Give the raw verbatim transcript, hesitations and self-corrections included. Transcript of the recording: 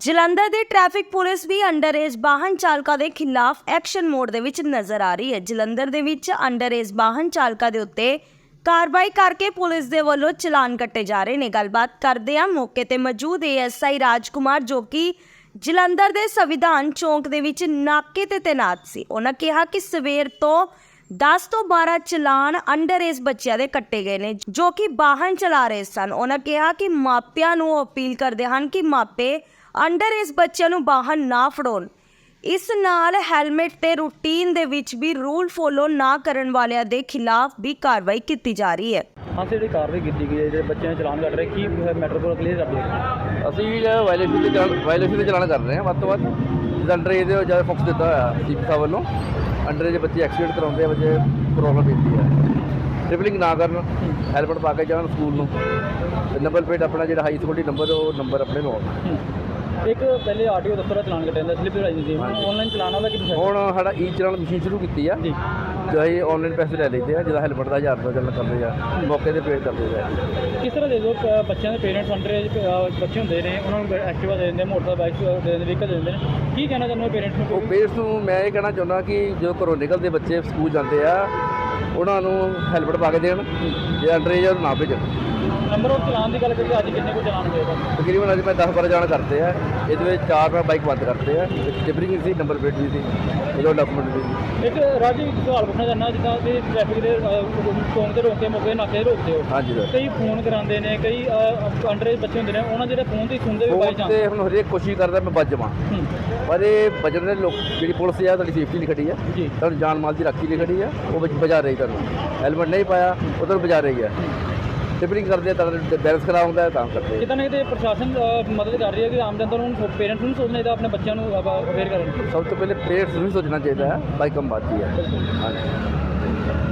ਜਲੰਧਰ ਦੀ traffic police ਵੀ under age ਵਾਹਨ ਚਾਲਕਾਂ ਦੇ ਖਿਲਾਫ ਐਕਸ਼ਨ ਮੋਡ ਦੇ ਵਿੱਚ ਨਜ਼ਰ ਆ ਰਹੀ ਹੈ। ਜਲੰਧਰ ਦੇ ਵਿੱਚ ਅੰਡਰ ਏਜ ਵਾਹਨ ਚਾਲਕਾਂ ਦੇ ਉੱਤੇ ਕਾਰਵਾਈ ਕਰਕੇ ਪੁਲਿਸ ਦੇ ਵੱਲੋਂ ਚਲਾਨ ਕੱਟੇ ਜਾ ਰਹੇ ਨੇ। ਗੱਲਬਾਤ ਕਰਦੇ ਆ ਮੌਕੇ ਤੇ ਮੌਜੂਦ ਏਐਸਆਈ ਰਾਜਕੁਮਾਰ ਜੋ ਕਿ ਜਲੰਧਰ ਦੇ ਸੰਵਿਧਾਨ ਚੌਂਕ ਦੇ ਵਿੱਚ ਨਾਕੇ ਤੇ ਤੈਨਾਤ ਸੀ। ਉਹਨਾਂ ਕਿਹਾ ਕਿ ਸਵੇਰ ਤੋਂ ਦਸ ਤੋਂ ਬਾਰਾਂ ਚਲਾਨ ਅੰਡਰ ਏਜ ਬੱਚਿਆਂ ਦੇ ਕੱਟੇ ਗਏ ਨੇ ਜੋ ਕਿ ਵਾਹਨ ਚਲਾ ਰਹੇ ਸਨ। ਉਹਨਾਂ ਕਿਹਾ ਕਿ ਮਾਪਿਆਂ ਨੂੰ ਅਪੀਲ ਕਰਦੇ ਹਨ ਕਿ ਮਾਪੇ ਅੰਡਰ ਏਜ ਬੱਚਿਆਂ ਨੂੰ ਵਾਹਨ ਨਾ ਫੜਾਉਣ। ਇਸ ਨਾਲ ਹੈਲਮਟ ਤੇ ਰੂਟੀਨ ਦੇ ਵਿੱਚ ਵੀ ਰੂਲ ਫੋਲੋ ਨਾ ਕਰਨ ਵਾਲਿਆਂ ਦੇ ਖਿਲਾਫ ਵੀ ਕਾਰਵਾਈ ਕੀਤੀ ਜਾ ਰਹੀ ਹੈ। ਹਾਂ ਜਿਹੜੀ ਕਾਰਵਾਈ ਕੀਤੀ ਗਈ ਹੈ ਜਿਹੜੇ ਬੱਚਿਆਂ ਨੇ ਚਲਾਨ ਕੱਟ ਰਹੇ ਕੀ ਮੈਟਰ ਕੋਲ ਕਲੀਅਰ ਕਰ ਦਿਓ। ਅਸੀਂ ਜਿਹੜਾ ਵਾਇਲੇਸ਼ਨ ਦੇ ਚਲਾਨ ਵਾਇਲੇਸ਼ਨ ਦੇ ਚਲਾਨ ਕਰ ਰਹੇ ਹਾਂ ਵੱਧ ਤੋਂ ਵੱਧ ਜਿੱਦਾਂ ਅੰਡਰ ਏਜ ਦੇ ਜ਼ਿਆਦਾ ਫੋਕਸ ਦਿੱਤਾ ਹੋਇਆ ਸੀਪੀ ਸਾਹਿਬ ਵੱਲੋਂ। ਅੰਡਰ ਏਜ ਬੱਚੇ ਐਕਸੀਡੈਂਟ ਕਰਾਉਂਦੇ ਆ, ਬੱਚੇ ਪ੍ਰੋਬਲਮ ਪੈਂਦੀ ਹੈ। ਟ੍ਰਿਪਲਿੰਗ ਨਾ ਕਰਨ, ਹੈਲਮਟ ਪਾ ਕੇ ਜਾਣ ਸਕੂਲ ਨੂੰ, ਨੰਬਰ ਪਲੇਟ ਆਪਣਾ ਜਿਹੜਾ ਹਾਈ ਸਿਕਿਉਰਿਟੀ ਨੰਬਰ ਉਹ ਨੰਬਰ ਆਪਣੇ ਨੂੰ ਆਉਣ। ਇੱਕ ਪਹਿਲੇ ਆਰਟੀਓ ਦਫ਼ਤਰ ਦਾ ਚਲਾਨ ਕੱਟਿਆ ਜਾਂਦਾ ਸਲਿੱਪ ਲਾਈ ਜਾਂਦੀ ਹੈ, ਆਨਲਾਈਨ ਚਲਾਨ ਉਹਦਾ ਕੀ ਪ੍ਰੋਸੈਸ? ਹੁਣ ਸਾਡਾ ਈ ਚਲਾਨ ਮਸ਼ੀਨ ਸ਼ੁਰੂ ਕੀਤੀ ਆ ਜੀ, ਜੋ ਅਸੀਂ ਆਨਲਾਈਨ ਪੈਸੇ ਲੈ ਲੈਂਦੇ ਆ। ਜਿਹਦਾ ਹੈਲਮਟ ਦਾ ਹਜ਼ਾਰ ਰੁਪਏ ਚੱਲਣ ਕਰਦੇ ਆ, ਮੌਕੇ ਤੇ ਪੇਡ ਕਰਦੇ ਆ। ਕਿਸ ਤਰ੍ਹਾਂ ਦੇ ਦੋ ਬੱਚਿਆਂ ਦੇ ਪੇਰੈਂਟਸ ਅੰਡਰ ਏਜ ਬੱਚੇ ਹੁੰਦੇ ਨੇ ਉਹਨਾਂ ਨੂੰ ਐਕਟਿਵਾ ਦੇ ਦਿੰਦੇ, ਮੋਟਰਸਾਈਕਲ ਬਾਈਕ ਦੇ ਦਿੰਦੇ, ਵਹੀਕਲ ਦੇ ਦਿੰਦੇ ਨੇ। ਕੀ ਕਹਿਣਾ ਚਾਹੁੰਦੇ ਹੋ ਪੇਰੈਂਟਸ ਨੂੰ? ਉਹ ਪੇਰੈਂਟਸ ਨੂੰ ਮੈਂ ਇਹ ਕਹਿਣਾ ਚਾਹੁੰਦਾ ਕਿ ਜਦੋਂ ਘਰੋਂ ਨਿਕਲਦੇ ਬੱਚੇ ਸਕੂਲ ਜਾਂਦੇ ਆ ਉਹਨਾਂ ਨੂੰ ਹੈਲਮਟ ਪਾ ਕੇ ਦੇਣ, ਜੇ ਅੰਡਰ ਏਜ ਨਾ ਭੇਜਣ। ਨੰਬਰ ਆਫ ਚਲਾਨ ਦੀ ਗੱਲ ਕਰੀਏ ਅੱਜ ਕਿੰਨੇ ਕੋ ਚਲਾਨ ਹੋਏਗਾ? ਤਕਰੀਬਨ ਅੱਜ ਮੈਂ ਦਸ ਬਾਰਾਂ ਜਾਣ ਕਰਤੇ ਆ। ਇਹਦੇ ਵਿੱਚ ਚਾਰ ਮੈਂ ਬਾਈਕ ਬੰਦ ਕਰਤੇ ਆ, ਟਿਪਰਿੰਗ ਸੀ, ਨੰਬਰ ਪਲੇਟ ਵੀ ਸੀ, ਇਹਦਾ ਡਾਕੂਮੈਂਟ ਵੀ ਸੀ। ਇੱਕ ਰਾਜੀ ਇੱਕ ਸਵਾਲ ਪੁੱਛਣਾ ਚਾਹੁੰਦਾ, ਜਿੱਦਾਂ ਕਿ ਟ੍ਰੈਫਿਕ ਦੇ ਚੌਂਕ ਤੇ ਰੋਕ ਕੇ ਮੌਕੇ ਨਾਕੇ ਰੋਕਦੇ ਹੋ, ਹਾਂਜੀ ਸਰ। ਕਈ ਫੋਨ ਕਰਾਉਂਦੇ ਨੇ, ਕਈ ਅੰਡਰ ਏਜ ਬੱਚੇ ਹੁੰਦੇ ਨੇ ਉਹਨਾਂ ਜਿਹੜੇ ਫੋਨ ਤੇ ਸੁਣਦੇ ਵੀ ਬਾਈ ਫੋਨ ਤੇ ਹੁਣ ਹਰੇਕ ਕੋਸ਼ਿਸ਼ ਕਰਦਾ ਮੈਂ ਬਚ ਜਾਵਾਂ, ਪਰ ਇਹ ਬਚਣ ਦੇ ਲੋਕ ਜਿਹੜੀ ਪੁਲਿਸ ਆ ਤੁਹਾਡੀ ਸੇਫਟੀ ਲਈ ਖੜੀ ਆ, ਜੀ ਤੁਹਾਨੂੰ ਜਾਨ ਮਾਲ ਦੀ ਰਾਖੀ ਲਈ ਖੜੀ ਆ, ਉਹ ਵਿੱਚ ਬਚਾ ਰਹੀ। ਤੁਹਾਨੂੰ ਹੈਲਮਟ ਨਹੀਂ ਪਾਇਆ ਉਹ ਤੁਹਾਨੂੰ ਬਚਾ ਰਹੀ ਆ। ਟਿਪਰਿੰਗ ਕਰਦੇ ਤਾਂ ਬੈਲੈਂਸ ਖਰਾਬ ਹੁੰਦਾ ਤਾਂ ਕਰਦੇ। ਕਿਤੇ ਨਾ ਕਿਤੇ ਪ੍ਰਸ਼ਾਸਨ ਮਦਦ ਕਰ ਰਹੀ ਹੈ ਕਿ ਆਮ ਜਨਤਾ ਨੂੰ, ਪੇਰੈਂਟਸ ਨੂੰ ਸੋਚਣਾ ਚਾਹੀਦਾ ਆਪਣੇ ਬੱਚਿਆਂ ਨੂੰ ਅਵੇਅਰ ਕਰਨ। ਸਭ ਤੋਂ ਪਹਿਲੇ ਪੇਰੈਂਟਸ ਨੂੰ ਸੋਚਣਾ ਚਾਹੀਦਾ ਹੈ, ਬਾਈਕ ਕਮ ਬਾਤ ਹੀ ਹੈ। ਹਾਂਜੀ।